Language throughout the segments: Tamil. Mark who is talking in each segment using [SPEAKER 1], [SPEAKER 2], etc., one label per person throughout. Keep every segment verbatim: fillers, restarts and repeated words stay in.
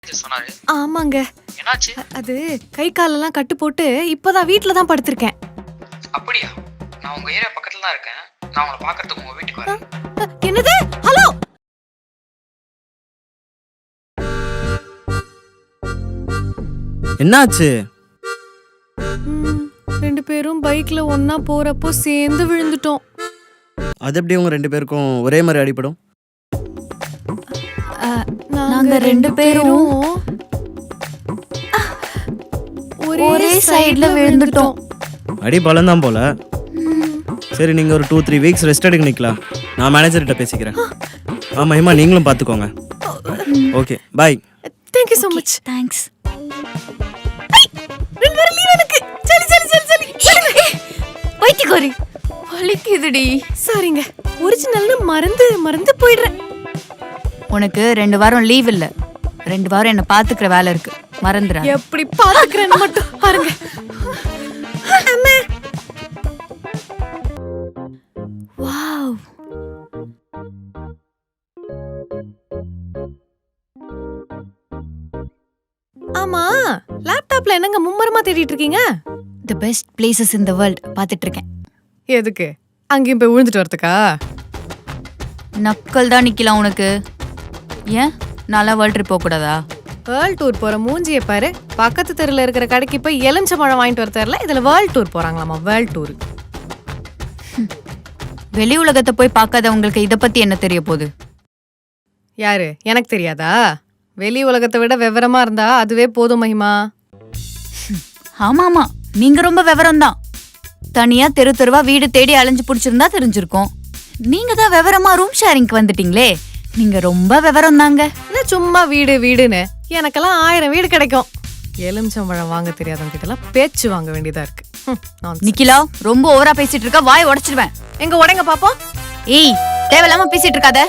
[SPEAKER 1] சொன்னாரு.
[SPEAKER 2] ஆமாங்க.
[SPEAKER 1] என்னாச்சு?
[SPEAKER 2] அது கை காலெல்லாம் கட்டு போட்டு இப்பதான் வீட்ல தான் படுத்திருக்கேன்.
[SPEAKER 1] அப்படியா? நான் உங்க ஏரியா பக்கத்துல தான் இருக்கேன். நான் உங்களை பார்க்கறதுக்கு உங்க வீட்டுக்கு வரேன்.
[SPEAKER 2] என்னது? ஹலோ.
[SPEAKER 3] என்னாச்சு?
[SPEAKER 2] ம், ரெண்டு பேரும் பைக்ல ஒண்ணா போறப்போ சேர்ந்து விழுந்துட்டோம்.
[SPEAKER 3] அது எப்படி உங்க ரெண்டு பேருக்கும் ஒரே மாதிரி அடிபடும்?
[SPEAKER 2] நாங்க ரெண்டு பேரும் ஒரே சைடுல விழுந்துட்டோம்.
[SPEAKER 3] அடி பலம் தான் போல. சரி, நீங்க ஒரு டூ த்ரீ வீக்ஸ் ரெஸ்ட் எடுக்க நிக்கலாம். நான் மேனேஜர்கிட்ட பேசிக்கிறேன். ஆ மஹிமா, நீங்களும் பார்த்துக்கோங்க. Okay, bye.
[SPEAKER 2] Thank you so much.
[SPEAKER 4] Thanks.
[SPEAKER 2] ரெண்டு பேரும் லீவ் எனக்கு. சரி சரி சரி சரி.
[SPEAKER 4] வைத்திகோரி வலிக்குதுடி.
[SPEAKER 2] சாரிங்க, ஒரிஜினல்னு மறந்து மறந்து போயிடுறேன்.
[SPEAKER 4] உனக்கு ரெண்டு வாரம் லீவ் இல்ல, ரெண்டு வாரம் என்ன பாத்துக்கிற வேலை இருக்கு, மறந்துடா.
[SPEAKER 2] எப்படி பாத்துக்கிறேன்னு மட்டும் பாருங்க. அம்மா.
[SPEAKER 4] வாவ்.
[SPEAKER 2] ஆமா, லேப்டாப்ல என்னங்க மும்மரமா தேடிட்டு இருக்கீங்க?
[SPEAKER 4] The best places in the world பாத்துட்டு இருக்கேன்.
[SPEAKER 2] எதுக்கு? அங்கேயும் போய் விழுந்துட்டு வரதுக்கா?
[SPEAKER 4] நக்கல் தான் நிக்கலாம் உனக்கு. ஏன் நல்லா வேர்ல்ட் ட்ரிப் போக கூடாதா?
[SPEAKER 2] வேர்ல்ட் டூர் போற மூஞ்சிய பாரு. பக்கத்து தெருல இருக்கிற கடைக்கு போய் எலுமிச்சம்பழம் வாங்கிட்டு வர தெரியல, இதுல வேர்ல்ட் டூர் போறாங்களாமா. World tour.
[SPEAKER 4] வெளி உலகத்தை போய் பார்க்காதவங்களுக்கு இத பத்தி என்ன தெரிய போகுது?
[SPEAKER 2] யாரு? எனக்கு தெரியாதா? வெளி உலகத்தை விட விவரமா இருந்தா அதுவே போதும் மகிமா.
[SPEAKER 4] ஆமா ஆமா, நீங்க ரொம்ப விவரம் தான். தனியா தெரு தெருவா வீடு தேடி அலைஞ்சு புடிச்சிருந்தா தெரிஞ்சிருக்கும். நீங்க தான் விவரமா ரூம் ஷேரிங்க்கு வந்துட்டீங்களே, நீங்க ரொம்ப விவரம் தாங்க.
[SPEAKER 2] என்ன சும்மா வீடு வீடுன்னு? எனக்கெல்லாம் ஆயிரம் வீடு கிடைக்கும். எலுமிச்சம்பழம் வாங்க தெரியாதவங்க கிட்ட எல்லாம் பேச்சு வாங்க வேண்டியதா இருக்கு.
[SPEAKER 4] நிக்கிலா, ரொம்ப ஓவரா பேசிட்டு இருக்க, வாய் உடைச்சிடுவேன்.
[SPEAKER 2] எங்க உடைங்க பாப்போம்.
[SPEAKER 4] ஏய், தேவையில்லாம பேசிட்டு இருக்காத.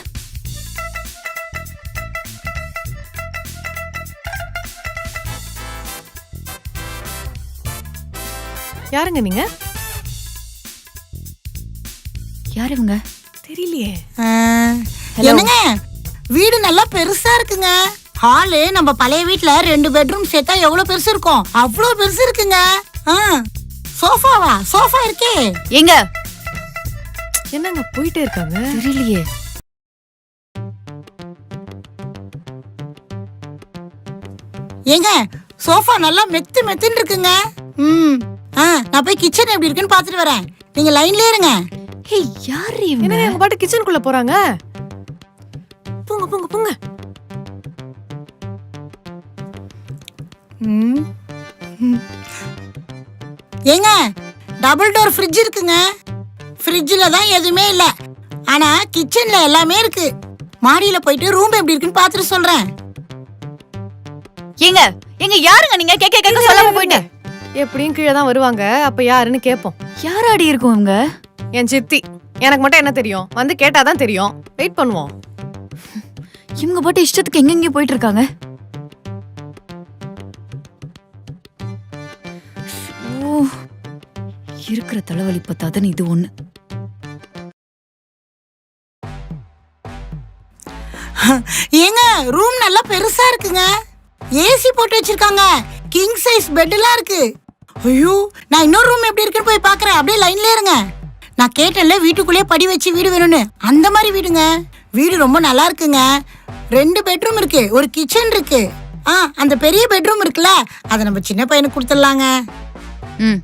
[SPEAKER 2] யாருங்க நீங்க?
[SPEAKER 4] யார் இவங்க?
[SPEAKER 2] தெரியலையே.
[SPEAKER 5] என்னங்க, வீடு நல்லா பெருசா இருக்குங்க. ஹாலு நம்ம பழைய வீட்ல ரெண்டு பெட்ரூம் சேர்த்தா எவ்வளவு பெருசு இருக்கும், அவ்வளவு பெருசு இருக்குங்க. சோஃபாவா? சோஃபா இருக்கே.
[SPEAKER 4] எங்க?
[SPEAKER 2] என்னங்க போயிட்டே இருக்காங்க?
[SPEAKER 4] தெரியலையே.
[SPEAKER 5] ஏங்க, சோஃபா நல்லா மெத்து மெத்துன்னு இருக்குங்க. ம் ஆ நான் போய் கிச்சன் எப்படி இருக்குன்னு பாத்துட்டு வரேன். நீங்க லைன்லயே இருங்க.
[SPEAKER 4] ஏய், யார் இவங்க?
[SPEAKER 2] என்னங்க எங்க பாட்டு கிச்சனுக்குள்ள போறாங்க? போங்க போங்க போங்க.
[SPEAKER 5] ம் ஏங்க, டபுள் டோர் ஃப்ரிட்ஜ் இருக்குங்க. ஃப்ரிட்ஜில் தான் எதுவுமே இல்லை, ஆனா கிச்சன்ல எல்லாமே இருக்கு. மாடியில போயிட்டு ரூம் எப்படி இருக்குன்னு பாத்துட்டு சொல்றேன்.
[SPEAKER 4] ஏங்க, எங்க யாருங்க நீங்க? கேக்க கேக்க சொல்லாம போயிட்டு.
[SPEAKER 2] எப்படியும் கீழே தான் வருவாங்க, அப்ப யாருன்னு கேப்போம்.
[SPEAKER 4] யாராடி இருக்கும் இவங்க?
[SPEAKER 2] என் சித்தி. எனக்கு மட்டும் என்ன தெரியும்? வந்து கேட்டாதான் தெரியும். வெயிட் பண்ணுவோம்.
[SPEAKER 4] இவங்க பாட்டு இஷ்டத்துக்கு எங்கெங்க போயிட்டு இருக்காங்க. ஓ, இருக்கிற தலைவலி பத்தாதன்னு இது ஒண்ணு.
[SPEAKER 5] ஏங்க, ரூம் நல்லா பெருசா இருக்குங்க. ஏசி போட்டு வச்சிருக்காங்க. கிங் சைஸ் பெட் எல்லாம் இருக்கு. ஐயோ, நான் இன்னொரு ரூம் எப்படி இருக்குன்னு போய் பாக்குறேன். அப்படியே லைன்ல இருங்க. நான் கேட்டேன்ல வீட்டுக்குள்ளேயே படி வச்சு வீடு வேணும்னு, அந்த மாதிரி வீடுங்க. வீடு ரொம்ப நல்லா இருக்குங்க. ரெண்டு பெட்ரூம் இருக்கு, ஒரு கிச்சன் இருக்கு. ஆ அந்த பெரிய பெட்ரூம் இருக்குல்ல, அதை நம்ம சின்ன பையனுக்கு கொடுத்துடலாங்க.
[SPEAKER 4] ம்,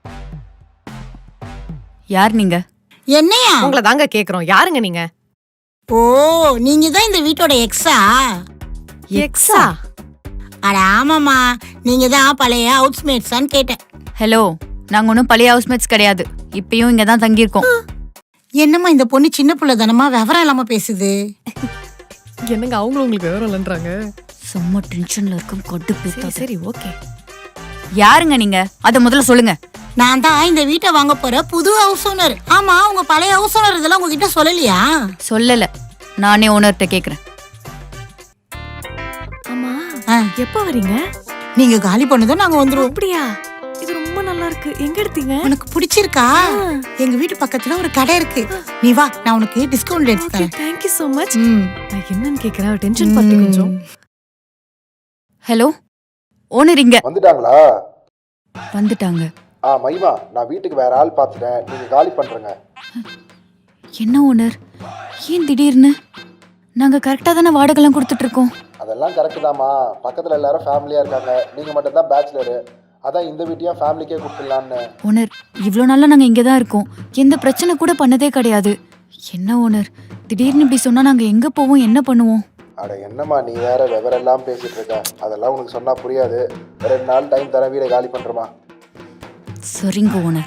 [SPEAKER 4] யார் நீங்க?
[SPEAKER 5] என்னையா?
[SPEAKER 2] உங்களை தாங்க கேக்குறோம். யாருங்க நீங்க?
[SPEAKER 5] ஓ, நீங்க தான் இந்த வீட்டோட எக்ஸா?
[SPEAKER 2] எக்ஸா?
[SPEAKER 5] அட ஆமாமா, நீங்க தான் பழைய ஹவுஸ்மேட்ஸான்னு கேட்டேன்.
[SPEAKER 4] ஹலோ, நாங்க ஒன்றும் பழைய ஹவுஸ்மேட்ஸ் கிடையாது. இப்பயும் இங்க தான் தங்கியிருக்கோம்.
[SPEAKER 5] என்னம்மா இந்த பொண்ணு சின்ன பிள்ளை தானமா, விவரம் இல்லாம பேசுது.
[SPEAKER 2] என்னங்க அவங்களும் உங்களுக்கு விவரம் இல்லைன்றாங்க?
[SPEAKER 4] சும்மா டென்ஷன்ல இருக்கும், கொட்டு பேச.
[SPEAKER 2] சரி ஓகே.
[SPEAKER 4] யாருங்க நீங்க? அத முதல்ல சொல்லுங்க.
[SPEAKER 5] நான் தான் இந்த வீட்டை வாங்க போற புது ஹவுஸ் ஓனர். ஆமா, உங்க பழைய ஹவுஸ் ஓனர் இதெல்லாம் உங்ககிட்ட சொல்லலையா?
[SPEAKER 4] சொல்லல, நானே ஓனர்கிட்ட கேக்குறேன்.
[SPEAKER 2] ஆமா,
[SPEAKER 5] ஆ,
[SPEAKER 2] எப்ப வரீங்க?
[SPEAKER 5] நீங்க காலி பண்ணதும் நாங்க வந்துருவோம்.
[SPEAKER 2] அப்படியா? இது ரொம்ப நல்லா இருக்கு. எங்க எடுத்தீங்க?
[SPEAKER 5] உனக்கு பிடிச்சிருக்கா? எங்க வீட்டு பக்கத்துல ஒரு கடை இருக்கு, நீ வா, நான் உனக்கு டிஸ்கவுண்ட் எடுத்து தரேன்.
[SPEAKER 2] Thank you so much.
[SPEAKER 5] ம்
[SPEAKER 2] நான் என்னன்னு கேக்குறேன், டென்ஷன் பத்தி கொஞ்சம்.
[SPEAKER 4] ஹலோ, ஓனர் இங்க
[SPEAKER 6] வந்துட்டாங்களா?
[SPEAKER 4] வந்துட்டாங்க.
[SPEAKER 6] ஆ மகிமா, நான் வீட்டுக்கு வேற ஆள் பார்த்துட்டேன், நீங்க காலி பண்றேங்க.
[SPEAKER 4] என்ன ஓனர், ஏன் திடீர்னு? நாங்க கரெக்டா தானே வாடகைலாம் கொடுத்துட்டு இருக்கோம்.
[SPEAKER 6] அதெல்லாம் கரெக்டு தாம்மா, பக்கத்துல எல்லாரும் ஃபேமிலியா இருக்காங்க, நீங்க மட்டும் தான் பேச்சுலரு, அதான் இந்த வீட்டையும் ஃபேமிலிக்கே கொடுத்துடலான்னு.
[SPEAKER 4] ஓனர், இவ்வளோ நாளா நாங்க இங்கே தான் இருக்கோம், எந்த பிரச்சனை கூட பண்ணதே கிடையாது. என்ன ஓனர், திடீர்னு இப்படி சொன்னா நாங்க எங்க போவோம், என்ன பண்ணுவோம்?
[SPEAKER 6] அட என்னம்மா நீ வேற விவரெல்லாம் பேசிட்டு இருக்க, அதெல்லாம் உனக்கு சொன்னா புரியாது. ரெண்டு நாள் டைம் தரேன், வீடை காலி பண்றமா.
[SPEAKER 4] சரிங்க ஓனர்.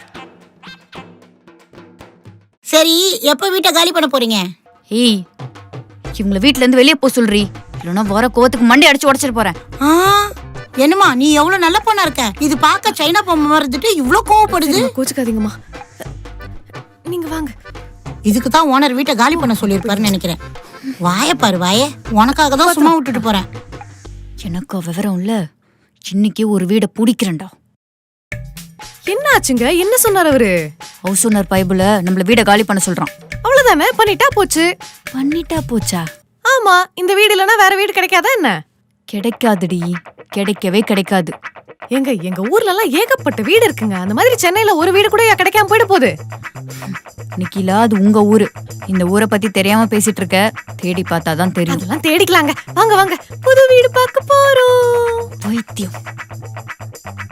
[SPEAKER 5] சரி, எப்போ வீட்டை காலி பண்ண போறீங்க?
[SPEAKER 4] ஏய், இவங்கள வீட்ல இருந்து வெளியே போ சொல்றி, இல்லைன்னா வர கோவத்துக்கு மண்டை அடிச்சு உடச்சிட்டு போறேன்.
[SPEAKER 5] ஆ, என்னம்மா நீ எவ்வளவு நல்ல பொண்ணா இருக்க, இது பார்க்க சைனா பொம்மை மறந்துட்டு இவ்ளோ கோவப்படுது.
[SPEAKER 2] கோச்சுக்காதீங்கம்மா, நீங்க வாங்க.
[SPEAKER 5] இதுக்கு தான் ஓனர் வீட்டை காலி பண்ண சொல்லியிருப்பாருன்னு நினைக்கிறேன். வாய பாரு வாய, உனக்காக தான் சும்மா விட்டுட்டு போறேன்.
[SPEAKER 4] எனக்கு விவரம் இல்ல, இன்னைக்கு ஒரு வீடை பிடிக்கிறேன்டா.
[SPEAKER 2] என்ன ஆச்சுங்க? என்ன சொன்னார் அவரு?
[SPEAKER 4] ஹவுஸ் ஓனர் பைபிள நம்மள வீடை காலி பண்ண சொல்றான்.
[SPEAKER 2] அவ்வளவுதானே, பண்ணிட்டா போச்சு.
[SPEAKER 4] பண்ணிட்டா போச்சா?
[SPEAKER 2] ஆமா, இந்த வீடு இல்லைன்னா வேற வீடு கிடைக்காதா என்ன?
[SPEAKER 4] கிடைக்காதுடி, கிடைக்கவே கிடைக்காது.
[SPEAKER 2] எங்க எங்க ஊர்ல எல்லாம் ஏகப்பட்ட வீடு இருக்குங்க. அந்த மாதிரி சென்னையில ஒரு வீடு கூட கிடைக்காம போயிட போகுது.
[SPEAKER 4] நிக்கிலா, அது உங்க ஊரு. இந்த ஊரை பத்தி தெரியாம பேசிட்டு இருக்க, தேடி பார்த்தாதான் தெரியும்.
[SPEAKER 2] அதெல்லாம் தேடிக்கலாங்க. வாங்க வாங்க, புது வீடு பார்க்க போறோம்.
[SPEAKER 4] பைத்தியம்.